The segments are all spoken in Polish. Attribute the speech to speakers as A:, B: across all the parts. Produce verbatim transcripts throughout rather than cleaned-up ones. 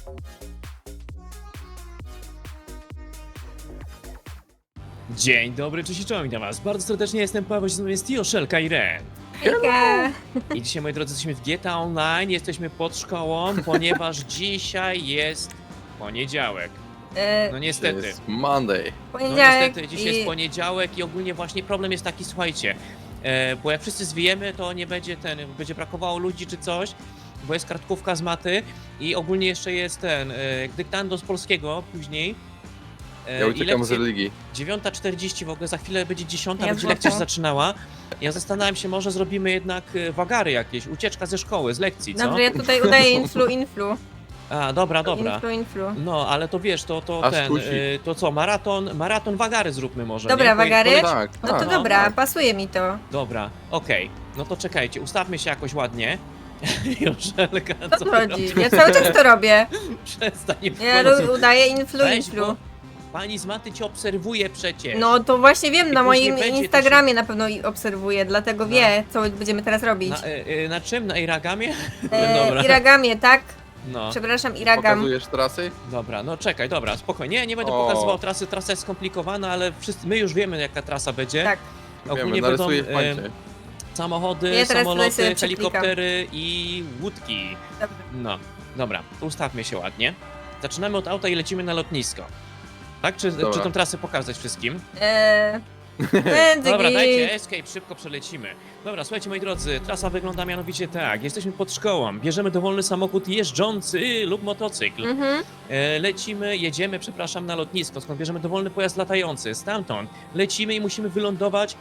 A: Dzień dobry, cześć i czołem, witam was bardzo serdecznie, jestem Paweł, z nami jest Tio, Szelka i Ren.
B: Hejka!
A: I dzisiaj, moi drodzy, jesteśmy w G T A Online, jesteśmy pod szkołą, ponieważ dzisiaj jest poniedziałek.
B: E,
A: No niestety.
C: To jest Monday.
A: No
B: poniedziałek
A: niestety, dzisiaj
B: i...
A: jest poniedziałek i ogólnie właśnie problem jest taki, słuchajcie, e, bo jak wszyscy zwiemy, to nie będzie ten, będzie brakowało ludzi czy coś, bo jest kartkówka z maty i ogólnie jeszcze jest ten, e, dyktando z polskiego później. E,
C: Ja
A: i
C: uciekam z
A: lekcje-
C: religii.
A: dziewiąta czterdzieści w ogóle, za chwilę będzie dziesiąta,
B: Ja
A: będzie lekcja się
B: wrócę.
A: zaczynała. Ja zastanawiam się, może zrobimy jednak e, wagary jakieś, ucieczka ze szkoły, z lekcji, co?
B: Dobrze, ja tutaj udaję influ, influ.
A: A, dobra, dobra.
B: Influ, influ.
A: No, ale to wiesz, to, to
C: Aż
A: ten,
C: kusi.
A: e, to co, maraton, maraton wagary zróbmy może,
B: Dobra,
A: nie? Poje-
B: wagary?
A: poleci-
C: Tak,
B: No
C: tak.
B: to
A: no,
B: dobra,
C: tak.
B: pasuje mi to.
A: Dobra, okej. No to czekajcie, ustawmy się jakoś ładnie. Joszelka,
B: Co
A: co
B: tu
A: ty
B: chodzi?
A: robisz?
B: Ja cały czas to robię.
A: Przestań, nie
B: Ja
A: wchodzę.
B: ru- udaję influ,
A: Weź,
B: influ.
A: bo pani z maty cię obserwuje przecież.
B: No to właśnie wiem,
A: I
B: na
A: później
B: moim
A: będzie to się-
B: Instagramie na pewno i obserwuję, dlatego
A: No.
B: wie, co będziemy teraz robić.
A: Na, e, e, na czym? Na Iragamie?
B: E,
A: Dobra.
B: Iragamie, tak?
A: No.
B: Przepraszam, Iragam.
C: Pokazujesz trasy?
A: Dobra, no czekaj, dobra, spokojnie. Nie, nie będę
C: O.
A: pokazywał trasy, trasa jest skomplikowana, ale wszyscy, my już wiemy jaka trasa będzie.
B: Tak.
A: Ogólnie
C: Wiemy,
A: będą
C: narysuję w
A: e,
C: pańcie.
A: samochody,
B: Ja teraz tutaj
A: samoloty,
B: sobie przeklikam.
A: helikoptery i łódki.
B: Dobrze.
A: No, dobra, to ustawmy się ładnie. Zaczynamy od auta i lecimy na lotnisko. Tak? Czy,
C: Dobra.
A: czy tą trasę pokazać wszystkim?
B: Eee, będzie
A: Dobra,
B: git.
A: dajcie escape, szybko przelecimy. Dobra, słuchajcie moi drodzy, trasa wygląda mianowicie tak. Jesteśmy pod szkołą, bierzemy dowolny samochód jeżdżący lub motocykl.
B: Mhm.
A: E, lecimy, jedziemy, przepraszam, na lotnisko, skąd bierzemy dowolny pojazd latający. Stamtąd lecimy i musimy wylądować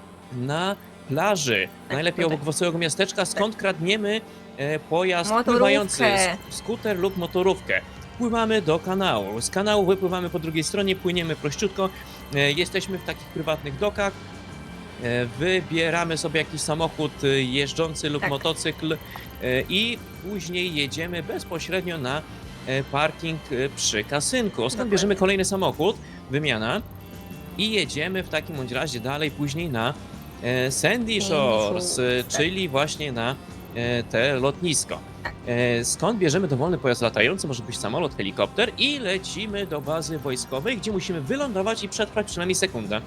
A: na plaży. Najlepiej
B: tutaj.
A: obok wesołego miasteczka, skąd kradniemy e, pojazd
B: Motorówkę.
A: pływający, sk- skuter lub motorówkę. Pływamy do kanału. Z kanału wypływamy po drugiej stronie, płyniemy prościutko. E, jesteśmy w takich prywatnych dokach. E, Wybieramy sobie jakiś samochód e, jeżdżący lub
B: Tak.
A: motocykl e, i później jedziemy bezpośrednio na e, parking e, przy kasynku. Skąd
B: Dokładnie.
A: bierzemy kolejny samochód, wymiana i jedziemy w takim bądź razie dalej później na e, Sandy Shores, e,
B: tak.
A: czyli właśnie na e, te lotnisko.
B: Tak.
A: E, Skąd bierzemy dowolny pojazd latający, może być samolot, helikopter i lecimy do bazy wojskowej, gdzie musimy wylądować i przetrwać przynajmniej sekundę.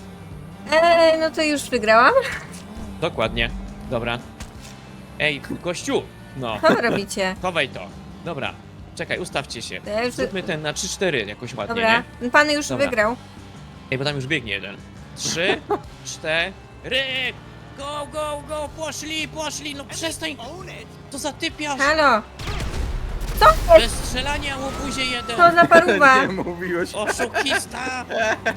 B: Eee, no to już wygrałam.
A: Dokładnie. Dobra. Ej, gościu! No,
B: Co wy robicie?
A: chowaj to. Dobra, czekaj, ustawcie się.
B: To ja już...
A: Zróbmy ten na trzy cztery jakoś ładnie,
B: Dobra,
A: nie?
B: ten pan już
A: Dobra.
B: wygrał.
A: Ej, bo tam już biegnie jeden. Trzy, cztery. Go, go, go! Poszli, poszli! No przestań! To zatypiasz!
B: Halo,
A: Bez strzelania, łobuzie jeden!
B: co za paruwa?
C: Nie mówiłeś.
A: Oszukista!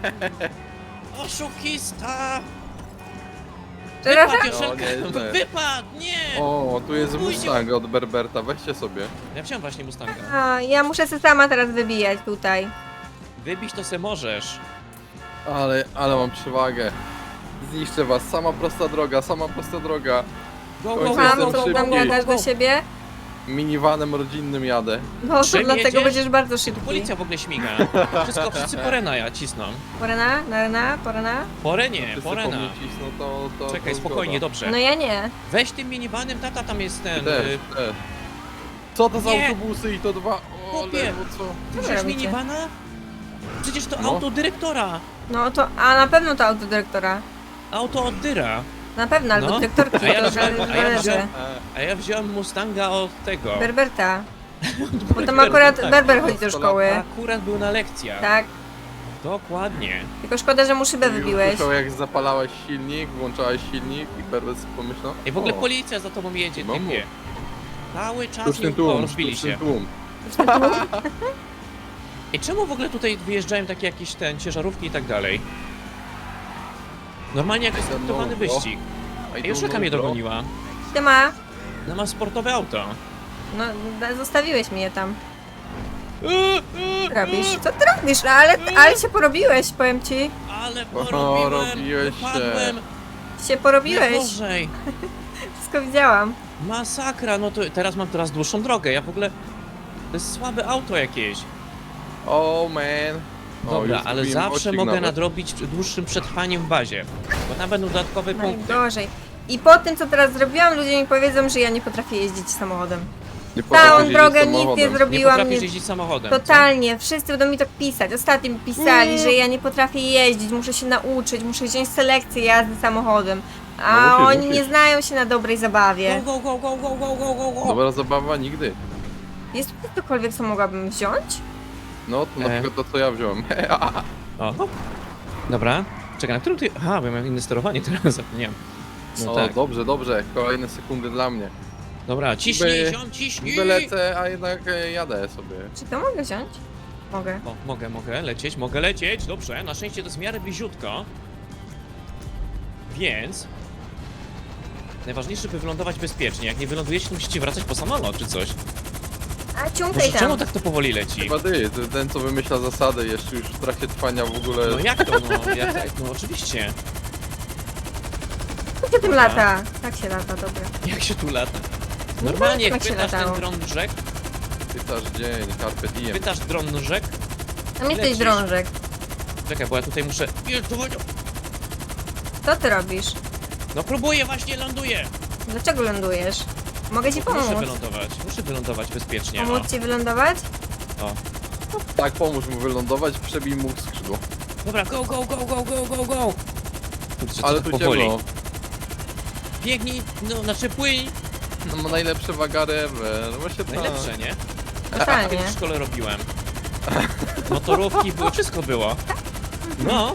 A: Oszukista!
B: Przepraszam?
A: Wypadł, Joszelka!
C: O, nieźle.
A: Wypadł! Nie!
C: O, tu jest
A: Pójdź-
C: Mustang od Berberta, weźcie sobie.
A: Ja wziąłem właśnie Mustanga.
B: A, ja muszę się sama teraz wybijać tutaj.
A: Wybić to se możesz.
C: Ale, ale mam przewagę. Zniszczę was, sama prosta droga, sama prosta droga.
A: Go,
C: Oj,
A: go, go,
C: jestem
B: Mam,
A: go,
B: co
A: go,
B: tam
A: go,
B: gadasz
A: go,
B: do
A: go.
B: siebie?
C: Minivanem rodzinnym jadę.
B: No to
A: Czym
B: dlatego
A: jedziesz?
B: będziesz bardzo
A: Tu
B: szybki.
A: policja w ogóle śmiga. Wszystko, wszyscy porena ja cisną.
B: Porena, narena, porena?
A: Porenie,
C: Wszyscy po
A: porena.
C: mnie cisną, to, to,
A: Czekaj,
C: to
A: spokojnie,
C: zgoda.
A: dobrze.
B: No ja nie.
A: Weź tym minivanem, tata tam jest
C: Ty
A: ten.
C: też,
A: y,
C: też. Co to za
A: Nie.
C: autobusy i to dwa? O,
A: Chłopie.
C: lewo, co?
A: Ty
B: wy
A: wziąłeś
B: robicie?
A: minivana? Przecież to
C: No.
A: auto dyrektora.
B: No to, a na pewno to auto dyrektora.
A: Auto od dyra.
B: Na pewno, albo
A: No.
B: dyrektorki,
A: A ja
B: to
A: wziąłem-
B: zależy.
A: a ja
B: zależy.
A: wziąłem-
C: E,
A: A ja wziąłem Mustanga od tego.
B: Berberta. Bo tam
A: Berberta,
B: akurat
A: tak.
B: Berber chodzi do szkoły.
A: Akurat był na lekcjach.
B: Tak.
A: Dokładnie.
B: Tylko szkoda, że mu szybę
C: już
B: wybiłeś.
C: słyszał, jak zapalałeś silnik, włączałeś silnik i Berber pomyślał.
A: I w ogóle
C: o,
A: policja za tobą jedzie,
C: No
A: typie. Cały czas
C: Sztuczny
A: nie o,
C: tłum,
A: rozbili
C: sztuczny
A: się.
C: tłum.
A: I czemu w ogóle tutaj wyjeżdżają takie jakieś ten, ciężarówki i tak dalej? Normalnie jak jest
C: I don't
A: traktowany
C: know, bro.
A: wyścig.
C: I
A: Ej,
C: don't
A: Joszelka
C: know,
A: mnie
C: bro.
A: dogoniła.
B: Ty ma.
A: Ona ma sportowe auto.
B: No, da- zostawiłeś mnie tam. Robisz? Co ty robisz? No, ale, ale się porobiłeś, powiem ci.
A: Ale
C: O,
A: porobiłem,
C: robiłeś się.
A: wypadłem.
B: Się porobiłeś.
A: Najgorzej.
B: Wszystko widziałam.
A: Masakra, no to teraz mam teraz dłuższą drogę. Ja w ogóle... To jest słabe auto jakieś.
C: Oh man. O,
A: Dobra,
C: już
A: ale
C: zgubiłem
A: zawsze
C: odcinek
A: mogę
C: nawet.
A: nadrobić dłuższym przetrwaniem w bazie. Bo tam będą dodatkowe punkty.
B: Najgorzej. I po tym, co teraz zrobiłam, ludzie mi powiedzą, że ja nie potrafię jeździć samochodem.
C: Nie
B: Całą
C: potrafisz jeździć
B: drogę nic nie
C: samochodem.
A: Nie
B: zrobiłam.
A: potrafisz
B: Nie...
A: jeździć samochodem. co?
B: Totalnie, wszyscy będą mi tak pisać. Ostatnio mi pisali,
A: Mm.
B: że ja nie potrafię jeździć, muszę się nauczyć, muszę wziąć selekcję jazdy samochodem. A
C: No musisz,
B: oni
C: musisz.
B: nie znają się na dobrej zabawie.
A: Go, go, go, go, go, go, go, go.
C: Dobra zabawa nigdy.
B: Jest tu cokolwiek, co mogłabym wziąć?
C: No, to na
A: E.
C: przykład to co ja wziąłem.
A: O, hop. Dobra. Czekaj, na którym ty... Aha, bo ja mam inne sterowanie teraz, zapomniałem. No
C: O,
A: tak.
C: dobrze, dobrze. Kolejne sekundy dla mnie.
A: Dobra, ciśnij,
C: Niby-
A: ziom, ciśnij!
C: Niby lecę, a jednak e, jadę sobie.
B: Czy to mogę wziąć? Mogę.
A: O, mogę, mogę lecieć, mogę lecieć, dobrze, na szczęście to jest w miarę bliziutko. Więc... Najważniejsze, by wylądować bezpiecznie. Jak nie wylądujecie, to musicie wracać po samolot czy coś.
B: A ciągaj
A: Może
B: tam.
A: czemu tak to powoli leci?
C: Chyba ty, ty, ten co wymyśla zasady jeszcze już w trakcie trwania w ogóle.
A: No jak to, no, jak, no oczywiście.
B: Jak się tym
A: Dobra.
B: lata? Tak się lata, dobra.
A: Jak się tu lata? Normalnie jak
B: tak się
A: pytasz ten
B: latało.
A: dron rzek,
C: Pytasz dzień, carpe diem.
A: pytasz dron rzek,
B: Tam jesteś
A: Lecisz.
B: drążek.
A: czekaj, bo ja tutaj muszę... Jest, tu-
B: Co ty robisz?
A: No próbuję, właśnie ląduję.
B: Dlaczego lądujesz? Mogę ci
A: Bo Muszę
B: pomóc.
A: wylądować, muszę wylądować bezpiecznie. O,
B: Pomóc ci wylądować?
A: o.
C: Tak, pomóż mu wylądować, przebij mu skrzydło.
A: Dobra, go, go, go, go, go, go, go. Kurczę,
C: Ale
A: co
C: tu
A: powoli.
C: ciemno.
A: Biegnij, no, znaczy płyń.
C: No ma najlepsze wagary ever. No właśnie tak.
A: Najlepsze, nie?
B: Totalnie.
A: Kiedyś w szkole robiłem. Motorówki były, wszystko było. No.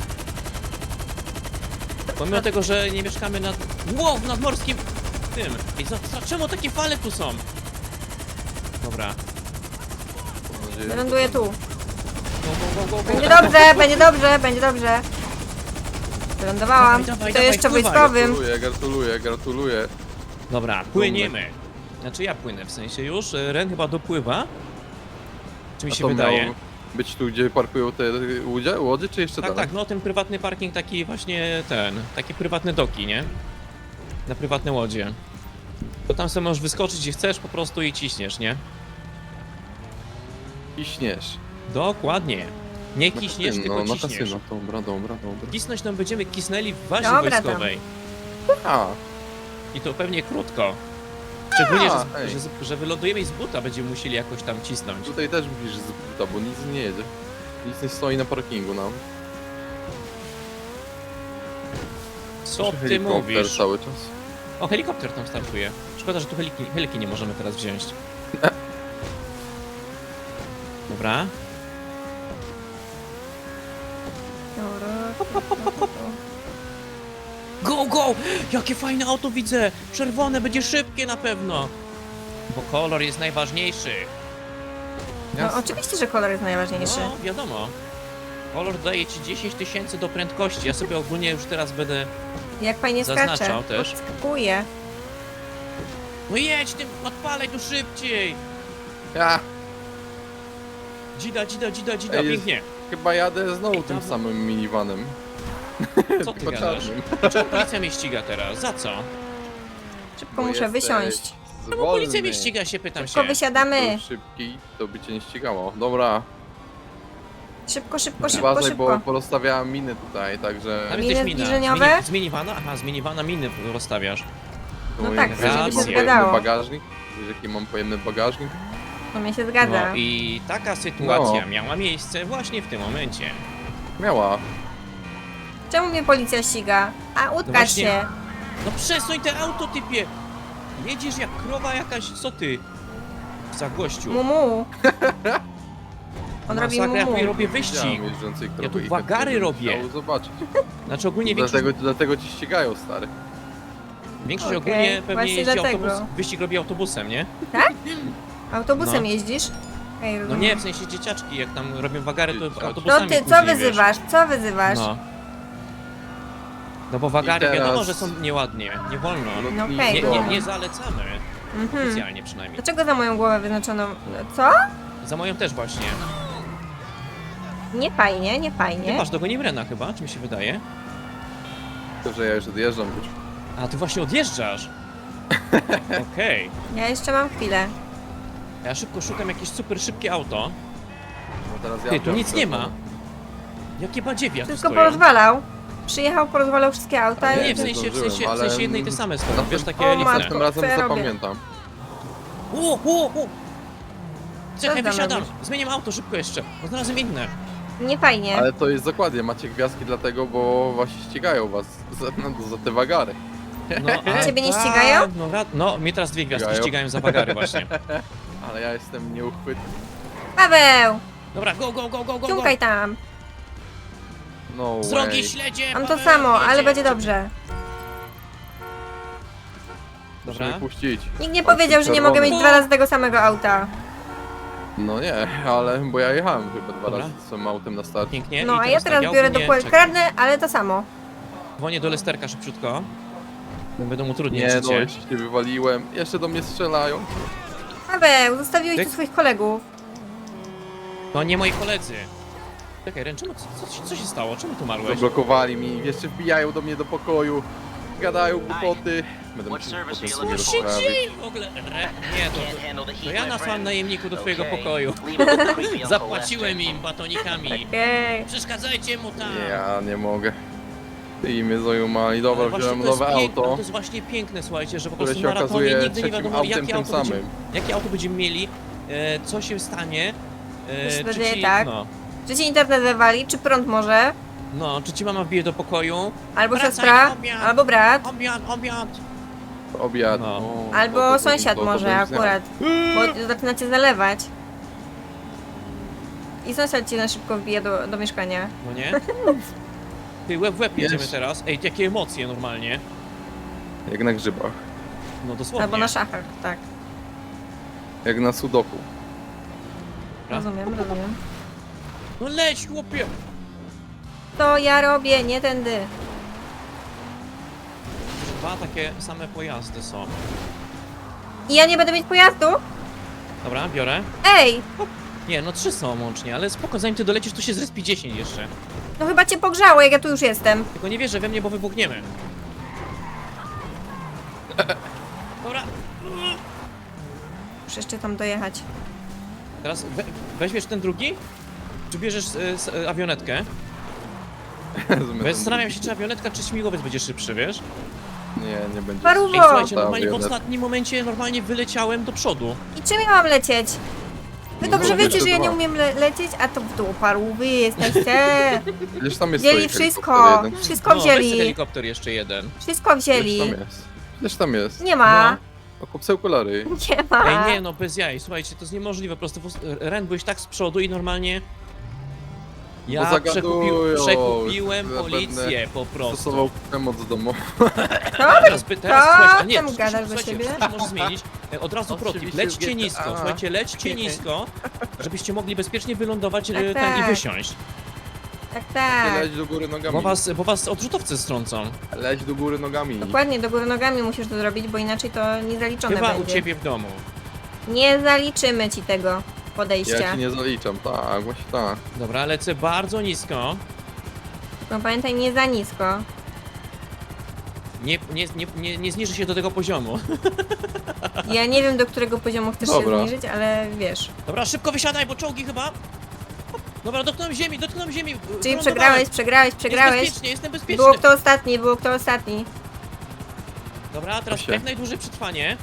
A: Pomimo tego, że nie mieszkamy nad... Wow, w nadmorskim... tym. I co, co, czemu takie fale tu są? Dobra.
C: Mam nadzieję, że-
B: Wyląduję tu.
A: Go, go, go, go, go.
B: Będzie dobrze, będzie dobrze, będzie dobrze. Wylądowałam.
A: Dawaj, dawaj,
B: I to
A: dawaj,
B: jeszcze
A: wpływaj.
B: wojskowym.
C: Gratuluję, gratuluję, gratuluję.
A: Dobra, płyniemy. Znaczy ja płynę w sensie już. Ren chyba dopływa. Czy mi
C: A
A: się
C: to
A: wydaje?
C: miało być tu, gdzie parkują te łodzie, łodzie czy jeszcze
A: Tak,
C: dalej?
A: tak, no ten prywatny parking taki właśnie ten, takie prywatne doki, nie? Na prywatne łodzie. To tam sobie możesz wyskoczyć gdzie chcesz po prostu i ciśniesz, nie?
C: I śniesz.
A: Dokładnie. Nie
C: Na
A: kiśniesz,
C: kasyno,
A: tylko
C: na
A: ciśniesz.
C: kasyno. Dobra, dobra, dobra.
A: Kisnąć tam będziemy kisnęli w bazie
B: Dobra, tam.
A: wojskowej.
C: A,
A: I to pewnie krótko. Szczególnie,
C: A,
A: że,
C: ej.
A: że, że wylądujemy i z buta będziemy musieli jakoś tam cisnąć.
C: tutaj też musisz z buta, bo nic nie jedzie. Nic nie stoi na parkingu nam.
A: Co
C: Nasz
A: ty
C: helikopter
A: mówisz?
C: cały czas.
A: O, helikopter tam startuje. Szkoda, że tu heliki, heliki nie możemy teraz wziąć. Dobra. Go, go! Jakie fajne auto widzę! Czerwone, będzie szybkie na pewno! Bo kolor jest najważniejszy.
B: No oczywiście, że kolor jest najważniejszy.
A: No, wiadomo. Kolor daje ci dziesięć tysięcy do prędkości. Ja sobie ogólnie już teraz będę...
B: Jak fajnie
A: Zaznaczał
B: skacze.
A: też.
B: Podskakuje.
A: No jedź tym, odpalaj tu szybciej!
C: Ja
A: Dzida, dzida, dzida, dzida,
C: Ej, jest-
A: pięknie.
C: chyba jadę znowu
A: Ej,
C: tym
A: tam-
C: samym minivanem.
A: Co ty
C: Tylko
A: gadasz?
C: czarnym.
A: Dlaczego policja mnie ściga teraz? Za co?
B: Szybko
C: Bo
B: muszę
C: jesteś
B: wysiąść.
A: No bo policja
C: zwolny.
A: mnie ściga się, pytam
B: Szybko
A: się.
B: wysiadamy.
C: Był szybki, to by cię nie ścigało. Dobra,
B: Szybko, szybko, szybko,
C: uważaj, bo
B: szybko.
C: porozstawiałem miny tutaj, także...
A: Tam
B: Miny
A: jesteś mina.
B: zbliżeniowe?
A: Z, mini, z minivana? Aha, z minivana miny rozstawiasz.
B: No
C: Bo
B: tak,
C: ja-
A: żeby się
C: mam pojemny
B: zgadzało.
C: bagażnik. Wiesz jaki mam pojemny bagażnik?
B: To mnie się zgadza.
A: No i taka sytuacja
C: No.
A: miała miejsce właśnie w tym momencie.
C: Miała.
B: Czemu mnie policja ściga? A
A: No
B: utkać
A: właśnie.
B: się.
A: No przesuń te auto, typie! Jedziesz jak krowa jakaś, co ty? Za gościu.
B: Mumu. On robi
A: Masakra, ja
B: mumu.
A: tu robię wyścig.
C: Widziałem jeżdżącej krowy
A: tu
C: i
A: wagary
C: chętnie bym
A: robię.
C: chciał zobaczyć.
A: Znaczy ogólnie większość,
C: Dlatego, dlatego ci ścigają, stary.
A: większość
B: Okej,
A: ogólnie pewnie
B: właśnie
A: jeździ
B: dlatego.
A: autobus, wyścig robi autobusem, nie?
B: Autobusem
A: No.
B: jeździsz? Ej,
A: No nie, w sensie dzieciaczki, jak tam robią wagary, to
C: Dzieciaczki.
B: To
A: autobusami
B: ty, co
A: później, wiesz.
B: wyzywasz? Co wyzywasz?
A: No. No bo wagary
C: I teraz-
A: wiadomo, że są nieładnie, nie wolno.
B: No
C: i-
B: okej,
A: Nie,
B: no.
A: nie, nie zalecamy,
B: Mhm.
A: specjalnie przynajmniej.
B: Dlaczego za moją głowę wyznaczono... Co?
A: Za moją też właśnie.
B: Nie fajnie, nie
A: Ty
B: fajnie.
A: masz dogoni Rena chyba, czy mi się wydaje?
C: To, że ja już odjeżdżam już.
A: A, ty właśnie odjeżdżasz. Okej.
B: Ja jeszcze mam chwilę.
A: Ja szybko szukam jakieś super szybkie auto.
C: No teraz ja
A: Ty, tu
C: wziąłem
A: nic nie ma.
C: telefon.
A: Jakie badziewia tu
B: Wszystko
A: stoją.
B: porozwalał. Przyjechał, porozwalał wszystkie auta
C: Ale
A: Nie,
B: i...
A: w sensie, w
C: zdążyłem,
A: sensie, w
C: ale-
A: sensie jednej te same
C: Na
A: stoją,
C: tym-
A: wiesz, takie
B: O,
A: lifne.
B: matko.
C: Następnym razem
B: Co ja robię?
C: zapamiętam.
A: O, o, o! Czekaj,
B: Co tam
A: wysiadam.
B: robisz?
A: Zmieniam auto szybko jeszcze, bo znalazłem inne.
B: Nie fajnie.
C: Ale to jest dokładnie, macie gwiazdki dlatego, bo właśnie ścigają was za, no, za te wagary.
A: No, a
B: Ciebie nie
A: tak,
B: ścigają?
A: No, ra- no, mnie teraz dwie gwiazdki
C: Ścigają.
A: ścigają za bagary właśnie.
C: Ale ja jestem nieuchwytny.
B: Paweł!
A: Dobra, go, go, go, go, go, go.
B: Ciąkaj tam.
C: No
A: Z drogi
C: way.
A: śledzie,
B: Mam to
A: Paweł,
B: samo, ale
A: jedzie.
B: będzie dobrze.
C: Proszę
A: Dobra.
C: mnie puścić.
B: Nikt nie
C: Oczy
B: powiedział, że nie mogę mieć
C: czerwone.
B: dwa razy tego samego auta.
C: No nie, ale bo ja jechałem chyba dwa
A: Dobra.
C: razy swoim autem na start.
A: Pięknie.
B: No
A: I
B: a ja teraz
A: tak,
B: biorę do
A: ogólnie-
B: pole.
A: czekaj,
B: Kradnę, ale to samo.
A: Dzwonię do Lesterka szybciutko. Będą utrudniać
C: Nie no,
A: życie.
C: jeszcze się wywaliłem. Jeszcze do mnie strzelają.
B: Paweł, zostawiłeś
A: Tyk.
B: tu swoich kolegów.
A: To nie moi koledzy. Czekaj, Ren, czemu, co, co, co się stało? Czemu tu umarłeś?
C: Zablokowali mi, jeszcze wbijają do mnie do pokoju. Gadają głupoty. Będę
D: What
C: musiał
D: service
C: potem
D: are you
C: sobie
D: looking
A: Co się
C: rozprawić.
A: dzieje w ogóle? Re, nie, to,
D: Can't handle the
A: to
D: heat,
A: ja
D: my
A: nasłam
D: friend.
A: najemników do twojego
D: Okay.
A: pokoju.
D: Leave it with the creepy Uncle
A: Zapłaciłem
D: Lester.
A: im batonikami.
B: Okej.
A: Przeszkadzajcie mu tam.
C: Ja nie mogę. I mnie zajumali. Dobra,
A: Ale właśnie
C: wziąłem
A: to jest
C: nowe
A: piękne,
C: auto.
A: To jest właśnie piękne, słuchajcie, że po
C: Które
A: prostu
C: się
A: w maratonie
C: okazuje
A: nigdy nie
C: trzecim
A: wiadomo,
C: autem
A: jakie
C: tym
A: auto, będziemy,
C: samym.
A: jakie auto będziemy mieli, e, co się stanie. E,
B: Myślę,
A: czy
B: że
A: ci,
B: tak.
A: no,
B: Czy ci internet wywali, czy prąd może?
A: no, czy ci mama wbije do pokoju?
B: Albo
A: Wracaj
B: siostra,
A: na obiad.
B: albo brat,
A: Obiad, obiad.
C: Obiad.
A: No.
C: O,
B: albo
C: to- to-
B: sąsiad
C: to- to
B: może
C: bym
B: akurat. Bo zaczyna cię zalewać. I sąsiad ci na szybko wbije do, do mieszkania.
A: No nie? Ty, łeb w łeb jedziemy
C: Wiesz.
A: teraz. Ej, jakie emocje normalnie.
C: zjadł. Jak na grzybach.
A: No dosłownie.
B: Albo na szachach, tak.
C: Jak na sudoku.
A: Dobra.
B: Rozumiem, rozumiem.
A: No leć, chłopie.
B: To ja robię, nie tędy.
A: Dwa takie same pojazdy są.
B: I ja nie będę mieć pojazdu?
A: Dobra, biorę.
B: Ej,
A: Nie, no trzy są łącznie, ale spoko, zanim ty dolecisz, to się zrespi dziesięć jeszcze.
B: no chyba cię pogrzało, jak ja tu już jestem.
A: Tylko nie wierzę we mnie, bo wybuchniemy. Dobra.
B: Muszę jeszcze tam dojechać.
A: Teraz we, weźmiesz ten drugi? Czy bierzesz e, s, e, awionetkę? Bo ja zastanawiam się, czy awionetka, czy śmigłowiec będzie szybszy, wiesz?
C: Nie, nie będzie.
B: Paruwo!
A: Ej, słuchajcie,
C: Ta
A: normalnie w
C: awionetka.
A: ostatnim momencie normalnie wyleciałem do przodu.
B: I czym ja mam lecieć? Wy
C: No,
B: dobrze
C: no,
B: wiecie,
C: jeszcze
B: że ja nie
C: dwa.
B: umiem le lecieć, a to w dół paru wy jesteście.
C: Przecież tam jest
B: Wzięli
C: stoi
B: wszystko,
C: helikopter jeden.
B: wszystko
A: No, weź ten
B: wzięli,
A: helikopter jeszcze jeden.
B: wszystko
C: Przecież
B: wzięli.
C: tam jest. Przecież tam jest.
B: Nie ma,
C: O, kupce okulary.
B: nie ma.
A: Ej, nie no, bez jaj, słuchajcie, to jest niemożliwe, po prostu w- Ren, byłeś tak z przodu i normalnie...
C: Bo
A: Ja
C: zagadują,
A: przekupił, przekupiłem
C: zapewne
A: policję po prostu.
C: Stosował przemoc domową.
A: Teraz, by, teraz
B: Co
A: słuchajcie, a nie,
B: tam
A: słuchajcie,
B: gadasz do
A: słuchajcie,
B: siebie?
A: wszystko może zmienić. E, Od razu protip,
C: Oczywiście
A: lećcie
C: w G T A.
A: nisko, słuchajcie, lećcie nisko, żebyście mogli bezpiecznie wylądować e,
B: Tak,
A: ten i
B: tak.
A: wysiąść.
B: Tak, tak.
C: Leć do góry nogami.
A: Bo was, bo was odrzutowcy strącą.
C: Leć do góry nogami.
B: Dokładnie, do góry nogami musisz to zrobić, bo inaczej to niezaliczone
A: Chyba u
B: będzie.
A: ciebie w domu.
B: Nie zaliczymy ci tego
C: Ja
B: podejścia.
C: ci nie zaliczam, tak, właśnie tak.
A: Dobra, lecę bardzo nisko.
B: No pamiętaj, nie za nisko.
A: Nie, nie, nie, nie, nie zniży się do tego poziomu.
B: Ja nie wiem, do którego poziomu chcesz
C: Dobra.
B: się zniżyć, ale wiesz.
A: Dobra, szybko wysiadaj, bo czołgi chyba. Dobra, dotknąłem ziemi, dotknąłem ziemi.
B: Czyli
A: wylądowałem.
B: przegrałeś, przegrałeś,
A: Jest
B: przegrałeś.
A: bezpiecznie, jestem bezpieczny.
B: Było kto ostatni, było kto ostatni.
A: Dobra, teraz
C: Proszę.
A: jak najdłużej przetrwanie.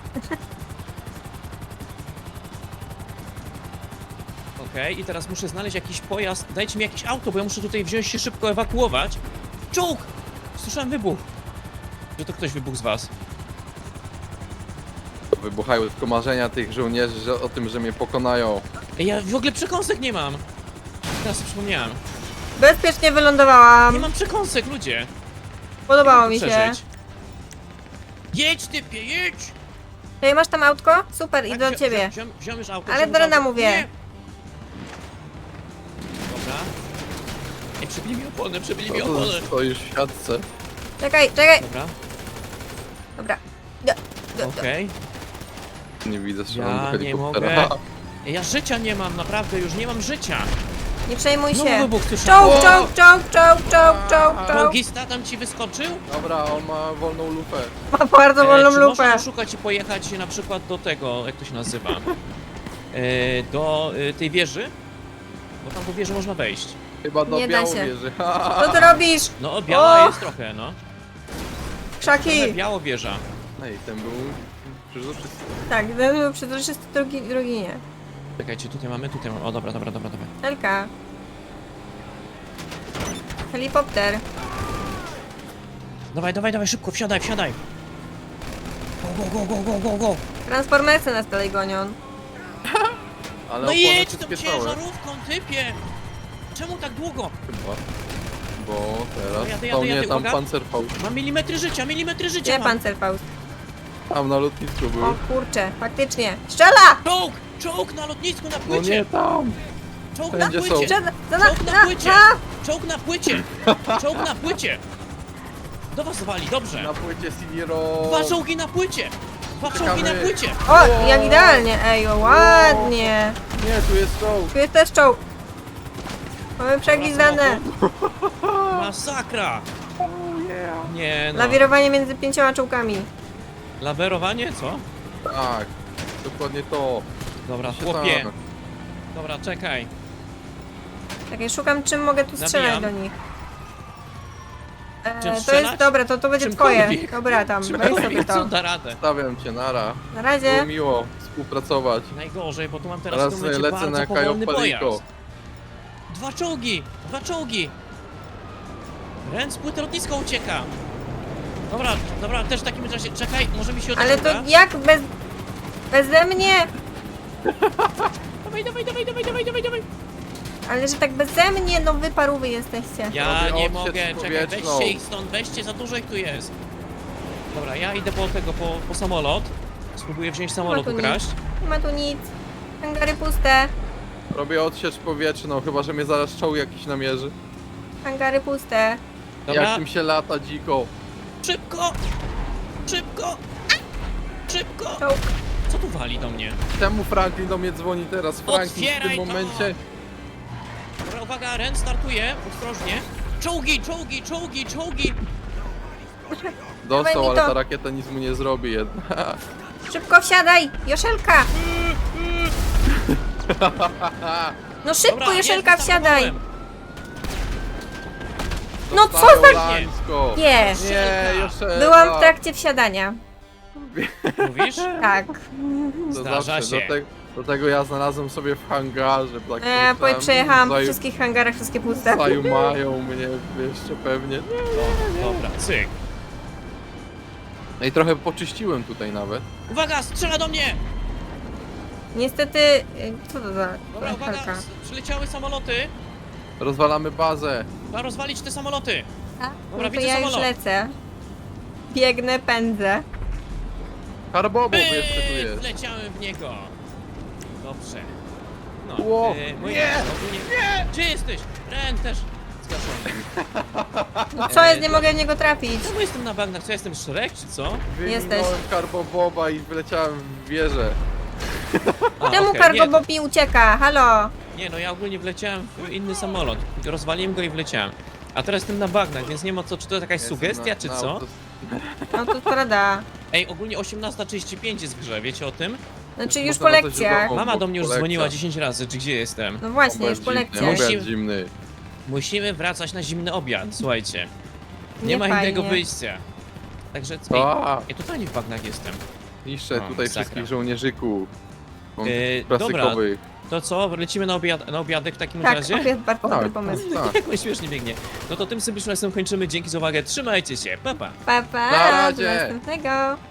A: Okej, i teraz muszę znaleźć jakiś pojazd. Dajcie mi jakieś auto, bo ja muszę tutaj wziąć się szybko ewakuować. Czołg! Słyszałem wybuch. Że to ktoś wybuchł z was.
C: Wybuchają tylko marzenia tych żołnierzy że, o tym, że mnie pokonają.
A: Ej, ja w ogóle przekąsek nie mam. Teraz sobie przypomniałem.
B: Bezpiecznie wylądowałam.
A: Nie mam przekąsek, ludzie.
B: Podobało
A: Jak
B: mi
A: to
B: się.
A: przeżyć? Jedź, typie, jedź!
B: Ej, masz tam autko? Super, idę
A: Tak,
B: do
A: wzi-
B: ciebie.
A: wzi- wzi- Wziąłem już auto.
B: Ale
A: wziąłem
B: do
A: już
B: Rena
A: auto.
B: mówię.
A: Nie. Dobra. Ej, przebili mi opony, przebili mi
C: No to
A: opony.
C: stoisz w siatce.
B: Czekaj, czekaj.
A: Dobra,
B: Dobra. Do, do, do.
A: okej.
C: Nie widzę strzelam
A: Ja
C: do
A: nie
C: helikoptera.
A: mogę. Ej, ja życia nie mam, naprawdę, już nie mam życia.
B: Nie przejmuj
A: Znowu
B: się.
A: wybuch, słyszałem.
B: Czołg, czołg, czołg, czołg, czołg, czołg, czołg.
A: Czołgista tam ci wyskoczył?
C: Dobra, on ma wolną lufę.
B: Ma bardzo wolną
A: E, czy
B: lupę.
A: można szukać i pojechać na przykład do tego, jak to się nazywa? E, do e, tej wieży? Bo tam do wieży można wejść.
C: Chyba do
B: Nie da się.
C: Białowieży.
B: Co ty robisz?
A: No, biała
B: O!
A: jest trochę, no.
B: Krzaki.
A: Trochę biało wieża.
C: Ej, ten był Przezroczysty.
B: Tak, był przezroczysty drugi, drugi nie.
A: Czekajcie, tutaj mamy, tutaj mamy. O, dobra, dobra, dobra, dobra.
B: Elka. Helikopter.
A: Dawaj, dawaj, dawaj, szybko, wsiadaj, wsiadaj. Go, go, go, go, go, go, go.
B: Transformersy nas dalej gonią.
C: Ale
A: No
C: opony
A: jedź tą
C: przyspieszałe.
A: ciężarówką, typie! Czemu tak długo?
C: Chyba. Bo teraz...
A: Jadę, jadę,
C: O nie,
A: jadę,
C: tam
A: uwaga.
C: Panzerfaust.
A: Mam milimetry życia, milimetry życia
B: Gdzie
A: mam.
B: Panzerfaust?
C: Tam na lotnisku był.
B: O kurczę, faktycznie. Strzela!
A: Czołg! Czołg na lotnisku, na
C: No
A: płycie!
C: nie tam!
A: Czołg na
C: Wszędzie są.
A: płycie!
B: Strzela! Za na,
A: Czołg na
B: na,
A: płycie!
B: na!
A: Czołg na płycie! Czołg na płycie! Do was wali, dobrze!
C: Na płycie Siniero!
A: Dwa czołgi na płycie! Dwa czołgi na
C: Czekamy.
A: płycie!
B: O, jak idealnie, ej, o, ładnie.
C: Nie, tu jest czołg!
B: Tu jest też czołg. Mamy przeglądane.
A: Masakra! Nie no.
B: Lawirowanie między pięcioma czołgami.
A: Lawerowanie, co?
C: Tak, dokładnie to.
A: Dobra,
C: Się
A: chłopie.
C: tak.
A: Dobra, czekaj.
B: Tak, ja szukam czym mogę tu strzelać
A: Nabijam.
B: do nich. E,
A: Czym
B: to
A: strzelać?
B: jest, dobra, to, to będzie twoje.
A: Czymkolwiek.
B: Dobra, tam, weź sobie
A: Czymkolwiek, co
B: to.
A: da radę.
C: Stawiam cię, nara.
B: Na
C: Było
B: razie.
C: miło współpracować.
A: Najgorzej, bo tu mam teraz
C: Teraz
A: w tym momencie
C: lecę
A: bardzo
C: na
A: powolny
C: Kajopaliko.
A: pojazd. Dwa czołgi! Dwa czołgi! Ren z płyty lotniska ucieka! Dobra, dobra, też w takim razie, czekaj, może mi się
B: Ale to
A: uda?
B: jak bez... Beze mnie?
A: Dawaj, dawaj, dawaj, dawaj, dawaj, dawaj, dawaj!
B: Ale że tak beze mnie, no wy parówy jesteście.
A: Ja
C: Robię
A: nie
C: odsiecz
A: mogę, czekaj,
C: powietrzną.
A: weźcie ich stąd, weźcie, za dużo ich tu jest. Dobra, ja idę po tego, po, po samolot. Spróbuję wziąć samolot,
B: tu nic.
A: ukraść.
B: Nie ma tu nic. Hangary puste.
C: Robię odsiecz powietrzną, chyba że mnie zaraz czołg jakiś namierzy.
B: Hangary puste.
A: Dobra,
C: Jak tym się lata dziko.
A: szybko! Szybko! Szybko!
B: Czołg.
A: Co tu wali do mnie?
C: Czemu Franklin do mnie dzwoni teraz? Franklin w
A: Otwieraj
C: tym
A: to!
C: momencie...
A: Dobra, uwaga, Ren startuje, ostrożnie. Czołgi, czołgi, czołgi, czołgi!
B: Dawaj
C: Dostał,
B: mi
C: ale
B: to.
C: ta rakieta nic mu nie zrobi jednak.
B: Szybko wsiadaj! Joszelka! No szybko,
A: Dobra,
B: Joszelka,
A: jest,
B: wsiadaj!
A: wystartowałem.
B: No co
C: Dostają
B: za...
C: lańsko.
B: Nie.
C: Nie,
A: Joszelka.
C: Joszelka.
B: Byłam w trakcie wsiadania.
A: Mówisz?
B: Tak.
C: To
A: Zdarza
C: zawsze,
A: się.
C: Do, te, do tego ja znalazłem sobie w hangarze. Tak
B: E,
C: pomyślałem,
B: przejechałam po
C: zaju-
B: wszystkich hangarach, wszystkie puste.
C: Zaju mają mnie jeszcze pewnie.
A: O, dobra, cyk.
C: No i trochę poczyściłem tutaj nawet.
A: Uwaga, strzela do mnie!
B: Niestety... y, Co to za...
A: Dobra, uwaga,
B: Helka?
A: s- przyleciały samoloty.
C: Rozwalamy bazę.
A: Trzeba rozwalić te samoloty.
B: A?
A: Dobra,
B: No to
A: widzę
B: ja już
A: samolot.
B: lecę. Biegnę, pędzę.
C: Karbobo
A: Pyk,
C: jeszcze tu jest.
A: wleciałem w niego. Dobrze. No,
C: Ło,
A: e, moi
C: nie,
A: ogólnie- Gdzie jesteś? Ren też zgaszony.
B: No co
A: E,
B: jest, nie
A: to-
B: mogę w niego trafić.
A: Czemu jestem na bagnach? Co, jestem Shrek, czy co?
B: Jesteś.
C: Wyminąłem Karboboba i wyleciałem w wieżę.
A: A,
B: Czemu
A: okej,
B: cargo
A: nie,
B: Bob mi ucieka? Halo?
A: Nie, no ja ogólnie wleciałem w inny samolot. Rozwaliłem go i wleciałem. A teraz jestem na bagnach, więc nie ma co, czy to jakaś
C: Jestem
A: sugestia,
C: na-
A: czy
C: na
A: co?
C: autos-
B: No to prawda.
A: Ej, ogólnie osiemnasta trzydzieści pięć jest w grze, wiecie o tym?
B: Znaczy już
C: Można
B: po
C: na to
B: lekcjach.
C: źródło.
A: Mama do mnie już
C: kolekcja.
A: dzwoniła dziesięć razy, czy gdzie jestem.
B: No właśnie, już
C: Obiad
B: po
C: zimny,
B: lekcjach.
A: Musi-
C: obiad zimny.
A: Musimy wracać na zimny obiad, słuchajcie. Nie,
B: Nie
A: ma
B: fajnie.
A: innego wyjścia. Także, ej,
C: A,
A: ja totalnie w bagnach jestem.
C: niszczę
A: O,
C: tutaj
A: masakra.
C: wszystkich żołnierzyków. Mam
A: Yy,
C: klasykowych.
A: To co, lecimy na, obiad, na obiadek w takim
B: Tak,
A: razie?
B: obiad bardzo dobry
C: Tak,
B: pomysł.
C: tak.
A: Jak on śmiesznie biegnie. No to tym symbolicznym kończymy, dzięki za uwagę, trzymajcie się, pa pa!
B: Pa, pa,
C: Na
B: do
C: razie.
B: następnego.